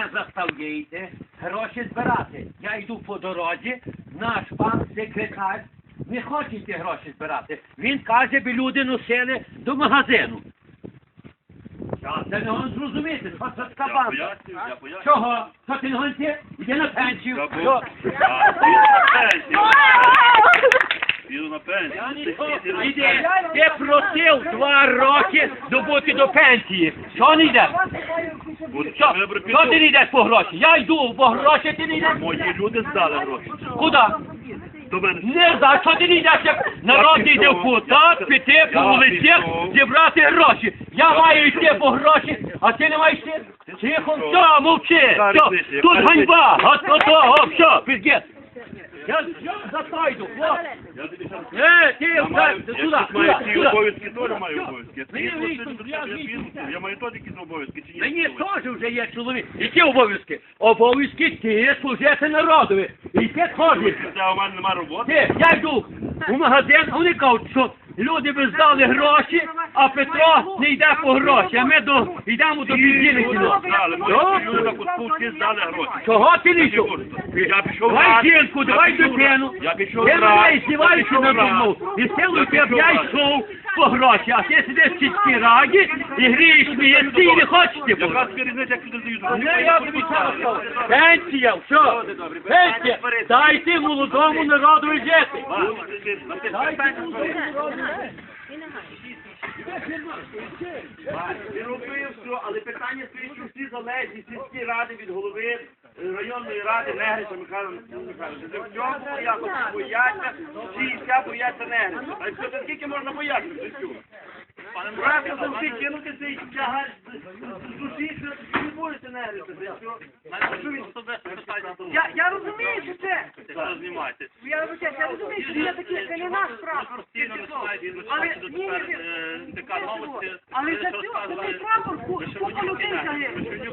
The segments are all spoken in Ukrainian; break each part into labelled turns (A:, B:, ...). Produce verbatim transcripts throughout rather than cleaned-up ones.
A: заставляєте гроші збирати. Я йду по дорозі, наш пан секретар не хоче ті гроші збирати. Він каже, би люди носили до магазину. Я це не можу зрозуміти, що це така банда.
B: Я поясню, я поясню.
A: Чого? Що ти не гонці? Іди на пенсію.
B: Я
A: Що?
B: був- Я піду на пенсію. Піду на пенсію.
A: Іди, ти просив два роки добути до пенсії. Що не йдеш? Що? Що ти не йдеш по гроші? Я йду по гроші, ти не йдеш?
B: Мої люди здали гроші.
A: Куди?
B: До мене.
A: Не знаю, що ти не йдеш, як народ йде в кутак, піти по вулицях, зібрати гроші. Я маю йти по гроші, а ти не маєш йти? Тихо, все, мовчи. Все, тут ганьба, от того, все, пізгет. Я затойду, хлопці.
B: Я тобі щас-
A: Е, ти,
B: Я маю,
A: сюди,
B: я
A: сюди,
B: щас маю ці
A: сюди.
B: обов'язки, теж маю обов'язки.
A: Мені
B: Я
A: вийшло,
B: піду,
A: я
B: я
A: вийшов.
B: піду. Я маю теж якісь обов'язки, чи ні?
A: Мені теж вже є чоловік. Які обов'язки? Обов'язки ти служити народові. І ти ходиш.
B: Це у мене нема роботи.
A: Ти, я йду у магазин, а вони кажуть, що люди би здали гроші, а Петро не йде по гроші, а ми до, йдемо до підділення.
B: Здали, мої люди на кутку всі здали гроші.
A: Чого ти не йшов?
B: Я пішов
A: Давай
B: раз.
A: жінку, давай
B: Я пішов
A: дитину.
B: раз. Я пішов
A: Ти
B: раз.
A: мене
B: Я
A: здіваєшся
B: пішов
A: на
B: раз.
A: думу. І силу
B: Я
A: тебе
B: пішов
A: я
B: раз.
A: йшов по гроші, а ти сидиш в сільській раді і грієш смієшся і не хочеш ти по
B: Яка
A: гроші.
B: тобі різниця, як люди дають?
A: Не, я тобі зараз кажу. Пенсія, що? Пенсія. Дайте молодому народу жити. Дайте молодому народу жити.
B: Ти робив все, але питання стоїть, що всі залежні, сільські ради від голови е, районної ради Негрича Михайла Михайловича. В цьому якось бояться, всі вся бояться Негрича. А що, це скільки можна боятися до цього? Правильно завжди кинути цей тягар з душі, що ти не боїшся Негрича.
C: Я, я розумію, що це.
B: Знімайте.
C: Я, розумію, я розумію, що це таке, це не наш прапор. Але, ні, ні, ні, але за цього, за цей прапор ку- купа людей загинуло.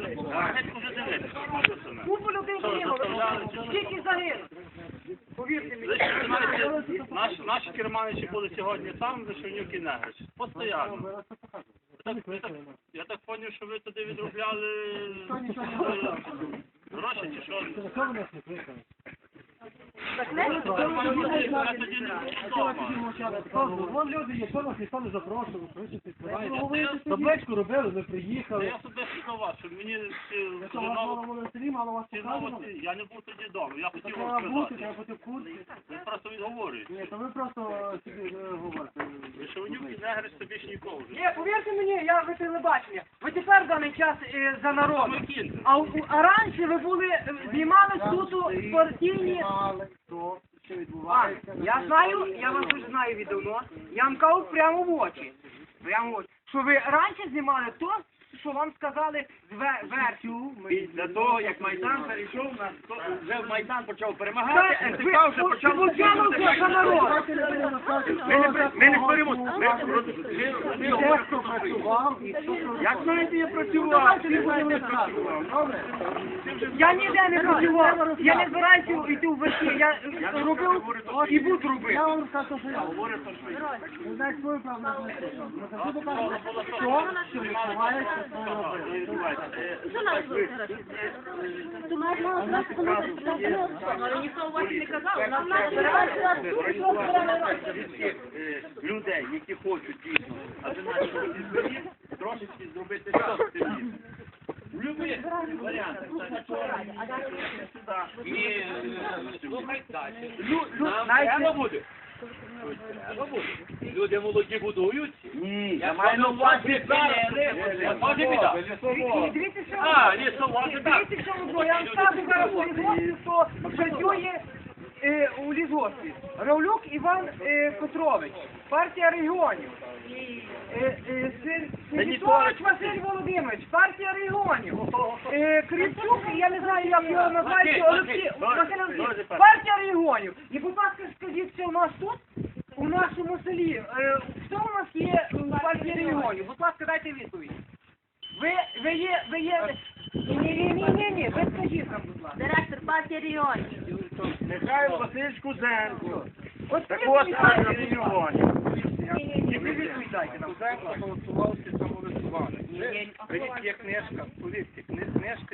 C: Купа людей загинуло. Скільки загинуло? Повірте мені.
D: Наші, наші керманичі були сьогодні там, де Шевнюк і Негрич. Постоянно. Я так, я так, я так поняв, що ви туди відробляли гроші чи що? Я тоді не був вдома.
E: Вон люди є, що нас ніхто не запрошував, що ви щось відкриваєте. Табличку робили, ми приїхали.
D: Я собі сказав, що мені ці
E: Що у вас мало було в селі, мало вас
D: ці
E: показано?
D: новості, я не був тоді вдома, я хотів
E: Треба
D: вам
E: бути,
D: сказати.
E: треба бути в курсі.
D: Ви просто відговорюєте.
E: Ні, то ви просто собі е, говорите.
D: Ви Шевнюк і Негрич собі ж нікого вже.
C: Ні, повірте мені, я ви телебачення. Ви тепер в даний час е, за народ.
D: Кін.
C: А, у- а раніше ви були, е, знімали суто партійні...
E: Але хто, що
C: А,
E: відбувається?
C: я знаю, я вас вже знаю віддавно. Я вам кажу прямо в очі. Прямо в очі. Що ви раніше знімали то, що вам сказали ве- версію.
A: Після того, як Майдан перейшов на вже Майдан почав
C: Це,
A: перемагати,
C: ви,
A: ен те ка вже
C: ви,
A: почав
C: ви почали вже за народ.
A: Ми не при- ми не споримо. Ми- ми- ми говоримо,
E: Хто працював і хто що
A: як знаєте, я працював.
E: не будемо розказувати, добре?
C: Я ніде не працював. Я не збираюся йти в версію. Я е, робив і буду робити.
E: Я вам розказую, що я говорю. Ви знаєте свою правду, знаєте що? Ми завжди кажемо, що, що відбувається, що ви робите.
F: Що нас робити? То ми мали зразу комусь спитати, але ніхто у вас не казав, нам треба
A: Всіх, е, людей, які хочуть дійсно, а це наші збері, трошечки зробити щось собі. Любі варіанти. І е, слухай далі. Треба буде. Треба буде. Люди молоді будують. Ні, я маю на увазі зараз. Може біда.
C: І дивіться, що
A: А, лісовози, так.
C: дивіться, що ви. Я вам скажу зараз у лісгоспі, що працює е, у лісгоспі. Равлюк Іван е, Петрович, партія регіонів. Е, е, Син- Синітович Василь Володимирович, партія регіонів. Е, Кривчук, я не знаю, як його називають, Олексій Василь Олексійович, партія регіонів. І, будь ласка, скажіть, що у нас тут, у нашому селі, е, хто у нас є в партії регіонів? Будь ласка, дайте відповідь. Ви, ви є, ви є... Ні, ні, ні, ні, ні, ви скажіть нам, будь ласка.
F: директор партії регіонів.
A: Михайло Васильович Кузенко.
C: От
A: Так
C: ви
A: от,
C: відповідайте.
A: партія регіонів.
C: Ні, ні, ні, ви відповідайте нам.
D: Кузенко голосувався самовисували.
C: Ні, ні,
D: Є книжка, повірте, кни- книжка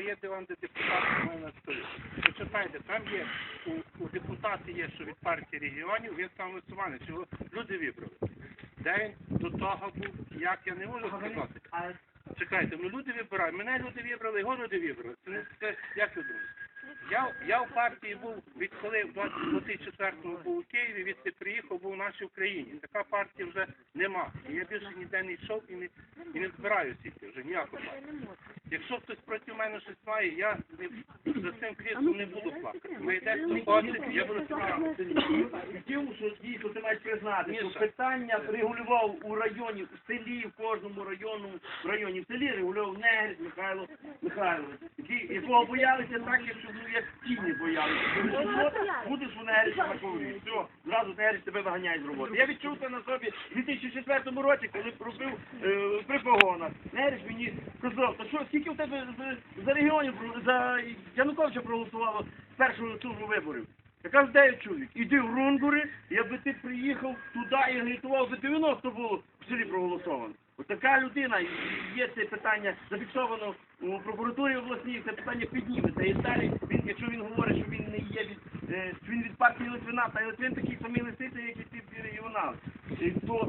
D: є диван, де депутати мають на столі. Почитайте, там є, у, у депутати є, що від партії регіонів, він там висуваний, чого люди вибрали. Де він до того був, як я не можу сказати. Чекайте, ну люди вибирають, мене люди вибрали, його люди вибрали. Це, це як ви думаєте? Я, я в партії був, відколи в двадцять четвертому був у Києві, відти приїхав, був в нашій Україні. Така партія вже нема. І я більше ніде не йшов і не, і не збираю сіти, вже ніяку партію. Якщо хтось проти мене щось має, я не, за цим кріслом не буду плакати. Ми йдемо хочете, я буду справити.
B: Тим, що дійсно ти маєш признати, що
D: Міша.
B: питання регулював у районі, в селі, в кожному району, в районі, в селі регулював Негрич Михайло Михайлович, який- якого боялися так, якщо ну, як тіні боялися. Тому що будеш у Негрича на коврі, все, зразу Негрич тебе виганяє з роботи. Я відчув це на собі в дві тисячі четвертому році, коли робив е, при погонах. Негрич мені сказав, та що, скільки в тебе за, за регіонів, про- за Януковича проголосувало з першого туру виборів? Я кажу, дев'ять чоловік. Іди в Рунгури, якби ти приїхав туди і агітував, за дев'яносто було в селі проголосовано. Ось така людина, і є це питання зафіксовано у прокуратурі обласній, це питання підніметься. І далі, він, якщо він говорить, що він не є від, е, він від партії Литвина, та Литвин такий самий лисиця, як і ці всі регіонали. І то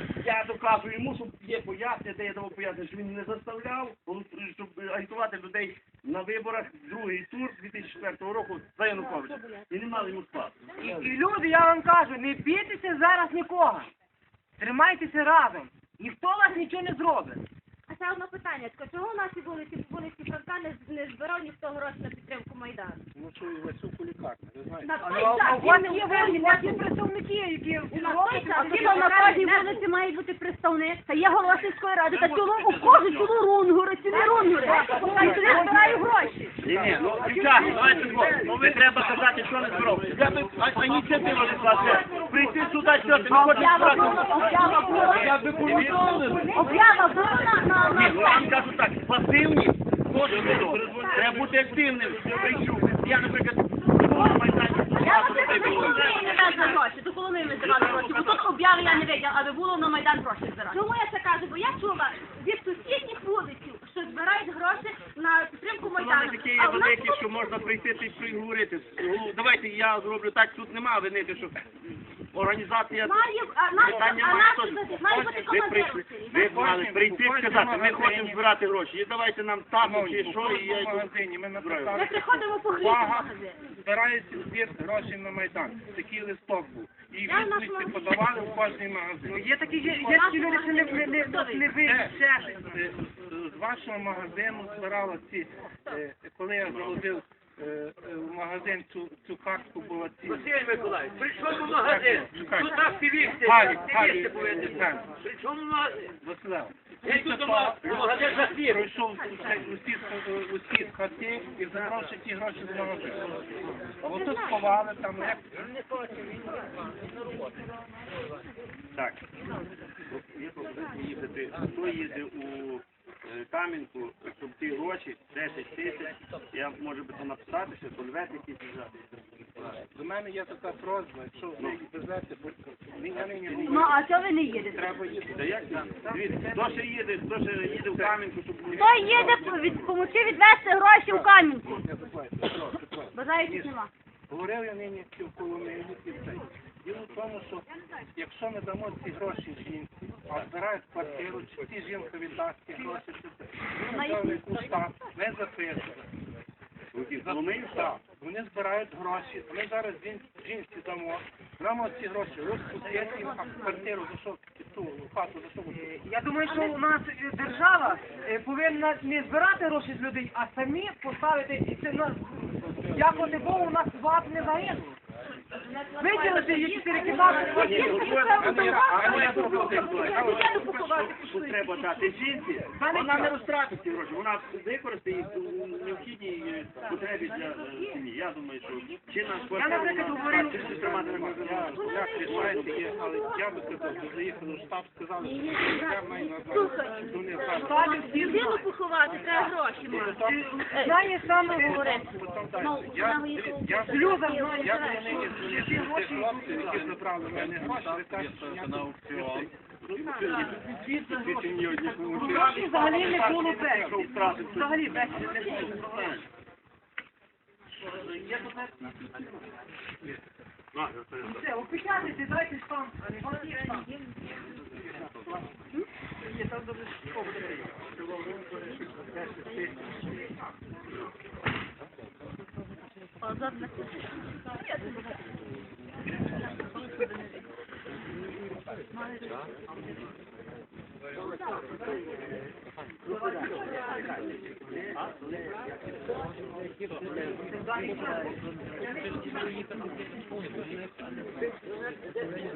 B: я доказую йому, що є пояснення, де я давав пояснення, що він не заставляв, щоб агітувати людей на виборах другий тур дві тисячі четвертого року за Януковича. І не мали йому спасу.
C: І, і люди, я вам кажу, не бійтеся зараз нікого. Тримайтеся разом. Ніхто вас нічого не зробить.
F: А ще одне питання. Чого наші вулиці, вулиці Франка не, не збирав ніхто гроші на підтримку Майдану?
D: Ну що, і Васюку лікарня, ви знаєте.
F: На
C: А,
F: той
C: а, а
F: час
C: у вас
F: він
C: є
F: не
C: ви- у вас є представники, які
F: На той час хіба на кожній вулиці має бути представник. Та є голова сільської ради, та чому у кожу чому рунгури, чи не рунгури? Та й туди збираю гроші.
B: Ні, ні, ну, дівчата, давайте так, ну ви треба казати, що не збров. Я би, а, а ініціатива не класна. Прийти сюди, що ти не хочеш
F: Об'ява
B: збирати.
F: була, об'ява була.
B: Я би повідомив.
F: Об'ява була на, на,
B: Ні, ну, я
F: на
B: вам кажу так, пасивні, кожен відомо. Треба бути активним. Прийшов. Я, наприклад, на Майдані.
F: Я вас не Коломиї не дасть на гроші, до Коломиї ми збирали гроші, бо тут об'яви я не виділа, аби було на Майдан гроші збирати. Чому я це кажу? Бо я чула від сусідніх вулиців, що збирають гроші на підтримку
B: Воно
F: Майдану.
B: не таке є
F: А в нас
B: велике, що можна прийти та й проговорити. Ну, давайте я зроблю так, тут нема винити, що організація...
F: Має, а наш,
B: Питання
F: а
B: має
F: наш,
B: хтось.
F: має бути
B: Ви
F: командир.
B: прийшли, ви мали прийти і сказати, ми хочемо збирати гроші. І давайте нам табу чи що, і я
D: в
B: йду.
D: магазині, ми
F: Ми
D: написали.
F: приходимо по хліб в
D: Увага,
F: магазин.
D: збирається збір грошей на Майдан. Такий листок був. І
F: Я в нашому
D: відповідь подавали в кожний магазин.
C: є такі, є, є такі люди, що не, не, не, не вийдуть.
D: Це, е, з вашого магазину збирала ці, е, коли я заводив е, е, в магазин цю, цю картку була ці.
A: Василь Миколаївич, при чому магазин?
D: Чекайте.
A: Тут активісти,
D: Галі,
A: активісти
D: Галі,
A: повинні
D: Галі.
A: бути. При чому магазин?
D: Василев.
A: Я тут дома, магазин закрив.
D: Пройшов усі, усі, усі з хати і забрав ще ті гроші з магазину. А отут сховали, там як...
B: Так. Є пропозиція їздити. Хто їде у е, Кам'янку, щоб ті гроші, десять тисяч, я можу би то написати, що кольвет якийсь взяти.
D: До мене є така просьба, якщо ви їх везете, будь-ко, я нині не
F: Ну, а чого ви не їдете?
D: треба їхати.
B: Та як це? Дивіться, хто ще їде, хто ще їде в Кам'янку, щоб...
F: Хто їде від, помогти відвести гроші в Кам'янку? Бажаючих нема.
D: Говорив я нині в Коломиї і все. Діло в тому, що якщо ми дамо ці гроші жінці, а збирають квартиру, чи ці жінка віддасть ці гроші, чи це, ми взяли куста, ми записуємо.
B: Коломиї?
D: Так, вони збирають гроші, ми зараз жін- жінці дамо, дамо ці гроші, розпустити, а квартиру за що, ту хату за що буде?
C: Я думаю, що у нас е, держава е, повинна не збирати гроші з людей, а самі поставити, і це нас, дякувати Богу, у нас вас не загинуло. Виділити їх чотири кімнати.
B: Тут треба дати жінці, вона не розтратить ці гроші, вона використає їх у необхідній е, потребі для е, сім'ї. Я думаю, що чи на квартиру,
C: наприклад,
B: на
C: говорив-
B: хату, чи тримати на магазин.
D: Як рішаєте є, але я би сказав, що заїхали в штаб, сказали, що я маю на
F: Слухай,
D: до них зараз.
F: людину поховати, треба гроші мати.
C: Знає саме
F: Говорити. Ну,
D: Я,
F: вона виїхала.
D: я,
C: Сльоза
D: я
C: знає.
D: буду нині звільнити хлопців, які забрали в мене гроші, ви кажете, що я на аукціон.
C: Гроші взагалі не було без. Взагалі без не було. Все, опечатайте, дайте там. Є, там добре, що буде.
F: Позор на